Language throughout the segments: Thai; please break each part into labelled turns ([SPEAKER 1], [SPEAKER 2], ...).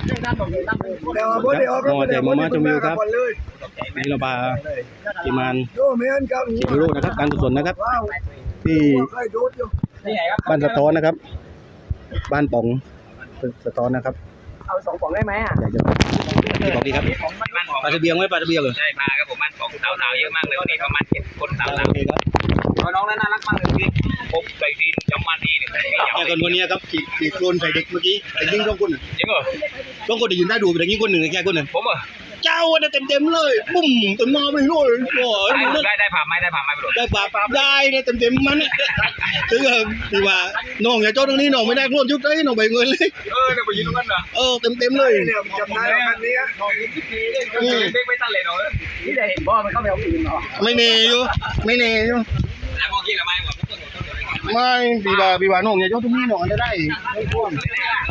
[SPEAKER 1] มอแต่มาชมวิวครับนี่เราพาทีมงานชิโร่นะครับการกุศลนะครับที่บ้านสะท้อนนะครับบ้านป๋องสะท้อนนะครับ
[SPEAKER 2] เอา2 ป๋องได้ไหมอ่ะ
[SPEAKER 1] อยากจะบอกดีครับปลาตะเบียงไหมปลาตะเบียงเหรอ
[SPEAKER 3] ใช่ปลาครับผมบ้านป๋องสาวๆเยอะมากเลยวันนี้ประมาณ7 คนสาว
[SPEAKER 1] โอเคครับ
[SPEAKER 3] ๆน้องน่ารักมากเลยพี่ผมใส่ทีนจำมาทีเนี่ย
[SPEAKER 1] แต่คนนี้ครับขีดโคลนใส่เด็กเมื่อกี้แต่ยิงต้องคน
[SPEAKER 3] จริงเหรอ
[SPEAKER 1] ต้องคนได้ยินได้ดูแต่ยิงคนหนึ่งแค่คนหนึ่ง
[SPEAKER 3] ผมเหรอ
[SPEAKER 1] เจ้าเนี่ยเต็มเลยปุ้มเต็มหน้าไปเลยโอ้ย
[SPEAKER 3] ได้ผ่าไม้ไปหมด
[SPEAKER 1] ได้ปลาได้เนี่ยเต็มมันเนี่ยถึงที่ว่าน้องอย่าโจ้ตรงนี้น้องไม่ได้โคลนชุดเลยน้องไปเงินเลย
[SPEAKER 3] เดี๋ยวไปยืนตรงนั้นเหรอ
[SPEAKER 1] เต็มเลย
[SPEAKER 2] จำได้คันนี้น้อง
[SPEAKER 3] ไม่ตั้งเลยเนาะ
[SPEAKER 2] นี่ได้เห็นบ่มันเข้าไปเอาปืนเหรอ
[SPEAKER 1] ไม่เนยอยู่
[SPEAKER 3] แล้วพอกี้ละไม้หมด
[SPEAKER 1] ไม่ปีว่าน้องอย่าโจ้ตรงนี้น้องจะได้ไม่โคลน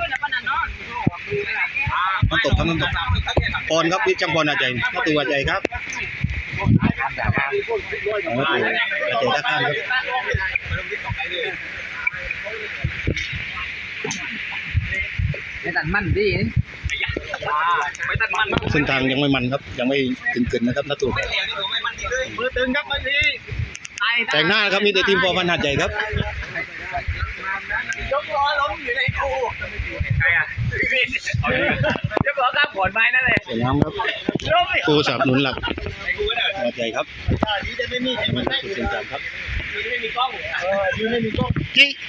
[SPEAKER 1] น้ำตกครับน้ำตกปอนครับพี่จังปอนอาใจน้าตัวอาใจครับน้าตัวอาใจท่าข้ามครับ
[SPEAKER 2] ไม่ตัดมันดิ
[SPEAKER 3] ไม่ตัดมัน
[SPEAKER 1] เส้นทางยังไม่มันครับยังไม่ถึงเกินนะครับน้าตัว
[SPEAKER 3] มือตึงครับบางที
[SPEAKER 1] แต่งหน้าครับมีแต่ทีมพอพันหัดใหญ่ครับ
[SPEAKER 3] ยกล้อล้มอยู่ในกูใครอ่ะยกล้อข้ามขอนไม้นั่นเลย
[SPEAKER 1] สวยงามครับกูสนับสนุนหลักหัดใหญ่ครับมันจะเป็นจำครับ
[SPEAKER 3] ไม่มีกล้อง
[SPEAKER 1] จิ๊ก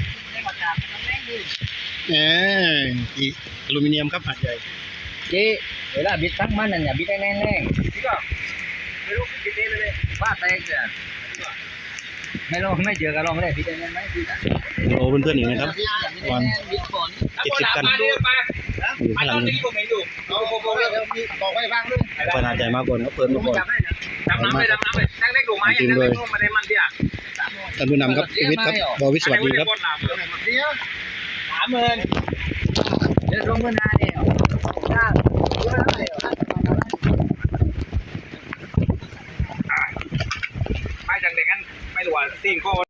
[SPEAKER 1] อีอลูมิเนียมครับหัดใหญ่
[SPEAKER 2] จีเวลาบิดทั้งมันนั่นอย่าบิดแน่ๆ
[SPEAKER 3] ไม่รู้บิดได้เลย
[SPEAKER 2] ว่าแตกจ้ะไม่ลองไม่เจอกันลองไม่ได้บิดแน่ๆไหมพี่จ้ะ
[SPEAKER 1] โอ้เพื่อนๆอีกนะครับวัน70 กันอยู่ข้างหลังนี่
[SPEAKER 3] บอกไว้บ้างด้วย
[SPEAKER 1] ขนาดใหญ่มากกว่าครับเปิดมาก่อน
[SPEAKER 3] ดำน้ำเลยนั่งเล็กดูไม้ยังนั่งเล็กมาได้มันที่อ่ะ
[SPEAKER 1] ท่านผู้นำครับชีวิตครับบวิสวัสดีครับ
[SPEAKER 2] 30,000เดี๋ยวลงเงินหาเดียว
[SPEAKER 3] ไม่จังเด็กกันไม่รู้ว่าสิ่งข้อ